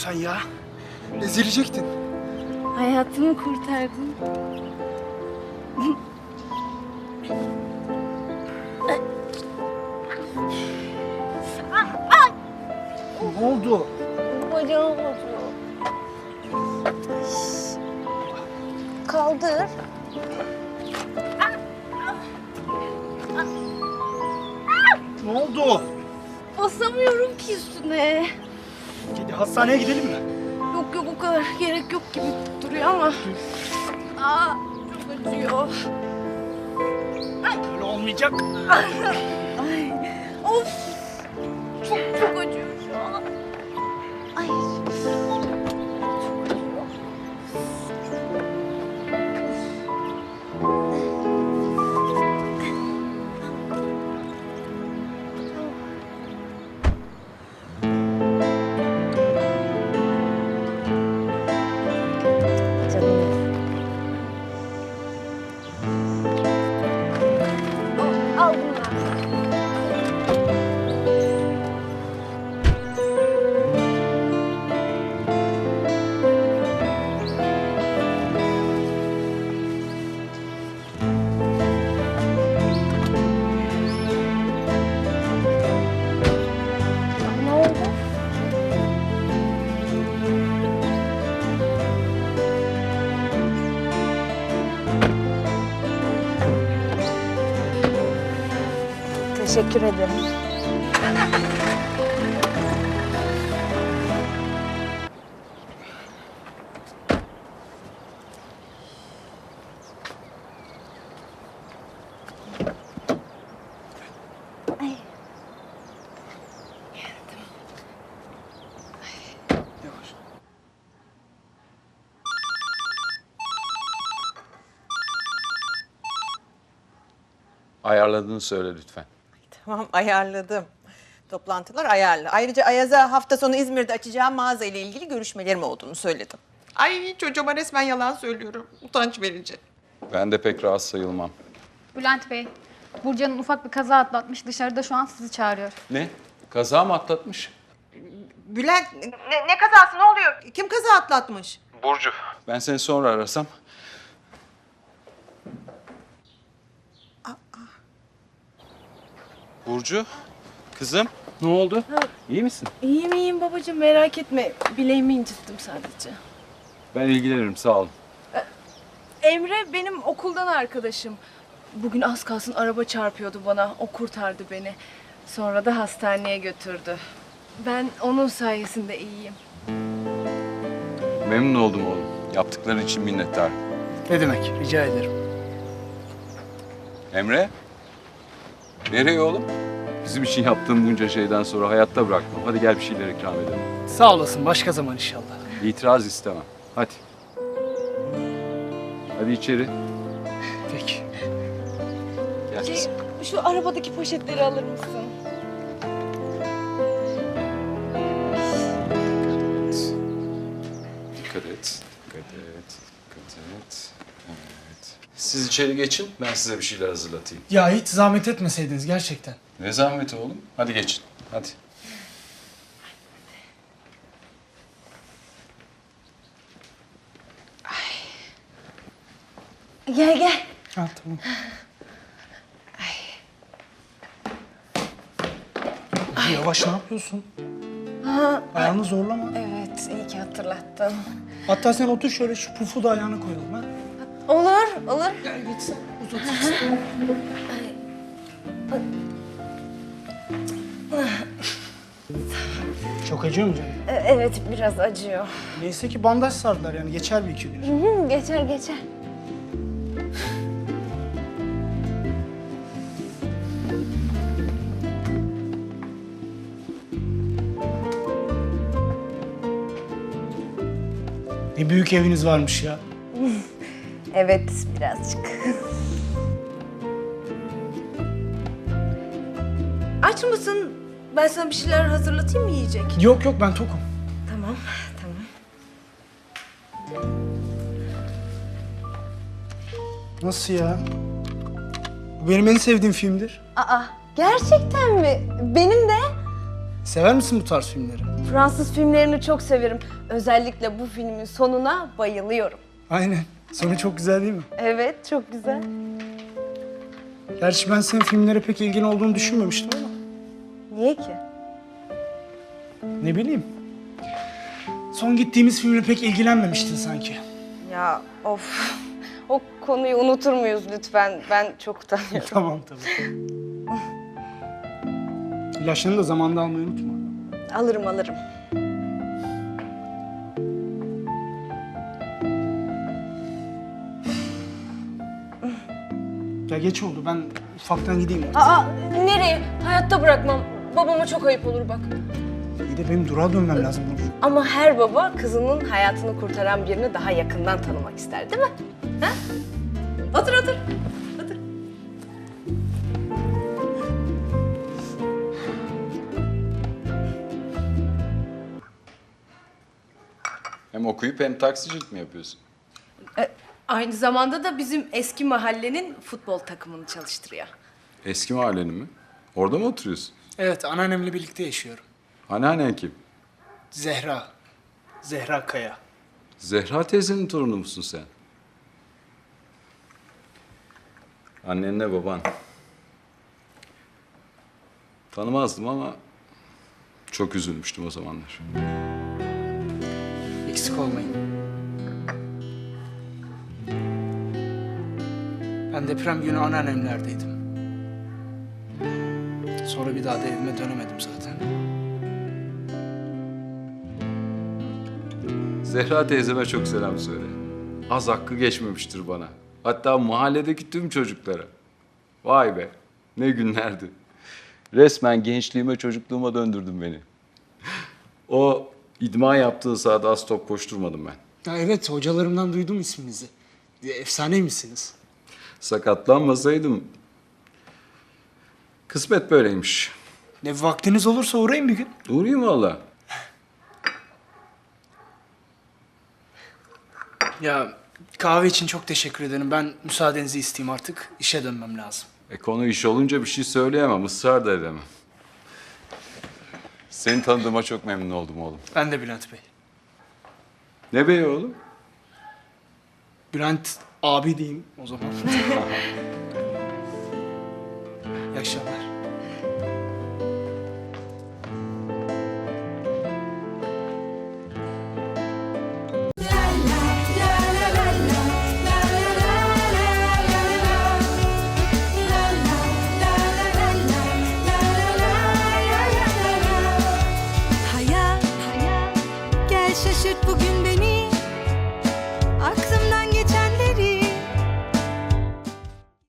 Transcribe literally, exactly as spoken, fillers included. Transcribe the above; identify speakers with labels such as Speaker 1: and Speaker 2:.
Speaker 1: sen ya? Ezilecektin.
Speaker 2: Hayatımı kurtardın.
Speaker 1: Ne oldu?
Speaker 2: Bacağım acıyor. Kaldır.
Speaker 1: Ne oldu?
Speaker 2: Basamıyorum ki üstüne.
Speaker 1: Hadi hastaneye gidelim mi?
Speaker 2: Yok yok o kadar gerek yok gibi duruyor ama. Aa, çok acıyor.
Speaker 1: Öyle olmayacak.
Speaker 2: Ay, of. Çok çok acıyor şu an. Ay. Çok acıyor. Al bunlar. Ne oldu? Teşekkür ederim. Ay.
Speaker 1: Yavaş.
Speaker 3: Ayarladığını söyle lütfen.
Speaker 4: Tamam, ayarladım. Toplantılar ayarlı. Ayrıca Ayaz'a hafta sonu İzmir'de açacağım mağaza ile ilgili görüşmelerim olduğunu söyledim. Ay çocuğuma resmen yalan söylüyorum. Utanç verici.
Speaker 3: Ben de pek rahat sayılmam.
Speaker 5: Bülent Bey, Burcu Hanım ufak bir kaza atlatmış. Dışarıda şu an sizi çağırıyor.
Speaker 3: Ne? Kaza mı atlatmış?
Speaker 4: Bülent, ne, ne kazası ne oluyor? Kim kaza atlatmış?
Speaker 3: Burcu. Ben seni sonra arasam. Burcu, kızım.
Speaker 1: Ne oldu?
Speaker 3: İyi misin?
Speaker 2: İyiyim iyiyim babacığım merak etme. Bileğimi incittim sadece.
Speaker 3: Ben ilgilenirim, sağ olun.
Speaker 2: Emre benim okuldan arkadaşım. Bugün az kalsın araba çarpıyordu bana. O kurtardı beni. Sonra da hastaneye götürdü. Ben onun sayesinde iyiyim.
Speaker 3: Memnun oldum oğlum. Yaptıkları için minnettarım.
Speaker 1: Ne demek? Rica ederim.
Speaker 3: Emre? Nereye oğlum? Bizim için yaptığın bunca şeyden sonra hayatta bırakmam. Hadi gel bir şeyler ikram edelim.
Speaker 1: Sağ olasın. Başka zaman inşallah.
Speaker 3: İtiraz istemem. Hadi. Hadi içeri.
Speaker 1: Peki.
Speaker 3: Gel
Speaker 2: Şey,
Speaker 3: kızım.
Speaker 2: şu arabadaki poşetleri alır mısın?
Speaker 3: Dikkat et. Dikkat et. Dikkat et. Evet. Siz içeri geçin. Ben size bir şeyler hazırlatayım.
Speaker 1: Ya hiç zahmet etmeseydiniz gerçekten.
Speaker 3: Ne zahmeti oğlum? Hadi geçin. Hadi.
Speaker 2: Gel gel.
Speaker 1: Ha tamam. Ay. Yavaş ne yapıyorsun?
Speaker 2: Ha,
Speaker 1: Ayağını zorlama.
Speaker 2: evet iyi ki hatırlattın.
Speaker 1: Hatta sen otur şöyle şu pufu da ayağına koyalım ha.
Speaker 2: Olur olur.
Speaker 1: Gel git sen uzatırsın. Çok acıyor mu canım?
Speaker 2: E, Evet biraz acıyor.
Speaker 1: Neyse ki bandaj sardılar yani geçer bir iki gün.
Speaker 2: Hı hı, geçer geçer.
Speaker 1: Ne büyük eviniz varmış ya.
Speaker 2: Evet birazcık. Aç mısın? Ben sana bir şeyler hazırlatayım mı yiyecek?
Speaker 1: Yok yok ben tokum.
Speaker 2: Tamam, tamam.
Speaker 1: Nasıl ya? Bu benim en sevdiğim filmdir.
Speaker 2: Aa, gerçekten mi? Benim de.
Speaker 1: Sever misin bu tarz filmleri?
Speaker 2: Fransız filmlerini çok severim. Özellikle bu filmin sonuna bayılıyorum.
Speaker 1: Aynen. Sonu çok güzel değil mi?
Speaker 2: Evet, çok güzel.
Speaker 1: Gerçi ben senin filmlere pek ilgin olduğunu düşünmemiştim ama.
Speaker 2: Niye ki?
Speaker 1: Ne bileyim. Son gittiğimiz filmle pek ilgilenmemiştin sanki.
Speaker 2: Ya of. O konuyu unutur muyuz lütfen? Ben çok utanıyorum.
Speaker 1: Tamam tabii. İlaçlarını da zamanında almayı unutma.
Speaker 2: Alırım alırım.
Speaker 1: Ya geç oldu. Ben ufaktan gideyim.
Speaker 2: Aa, nereye? Hayatta bırakmam. Babama çok ayıp olur bak.
Speaker 1: İyi de benim durağa dönmem lazım Burcu.
Speaker 2: Ama her baba kızının hayatını kurtaran birini daha yakından tanımak ister değil mi? Ha? Otur otur. Otur.
Speaker 3: Hem okuyup hem taksicilik mi yapıyorsun?
Speaker 2: E, aynı zamanda da bizim eski mahallenin futbol takımını çalıştırıyor.
Speaker 3: Eski mahallenin mi? Orada mı oturuyorsun?
Speaker 1: Evet, anneannemle birlikte yaşıyorum.
Speaker 3: Anneannen kim?
Speaker 1: Zehra. Zehra Kaya.
Speaker 3: Zehra teyzenin torunu musun sen? Annenle baban. Tanımazdım ama çok üzülmüştüm o zamanlar.
Speaker 1: Eksik olmayın. Ben deprem günü anneannemlerdeydim. Sonra bir daha da evime dönemedim zaten.
Speaker 3: Zehra teyzeme çok selam söyle. Az hakkı geçmemiştir bana. Hatta mahalledeki tüm çocuklara. Vay be, ne günlerdi. Resmen gençliğime, çocukluğuma döndürdün beni. O idman yaptığın sahada az top koşturmadım ben.
Speaker 1: Ya evet, hocalarımdan duydum isminizi. Efsaneymişsiniz.
Speaker 3: Sakatlanmasaydım... Kısmet böyleymiş.
Speaker 1: Ne vaktiniz olursa uğrayın bir gün.
Speaker 3: Uğrayayım valla.
Speaker 1: Ya kahve için çok teşekkür ederim. Ben müsaadenizi isteyeyim artık. İşe dönmem lazım.
Speaker 3: E konu iş olunca bir şey söyleyemem, ısrar da edemem. Seni tanıdığıma çok memnun oldum oğlum.
Speaker 1: Ben de Bülent Bey.
Speaker 3: Ne bey oğlum?
Speaker 1: Bülent abi diyeyim o zaman. İyi akşamlar.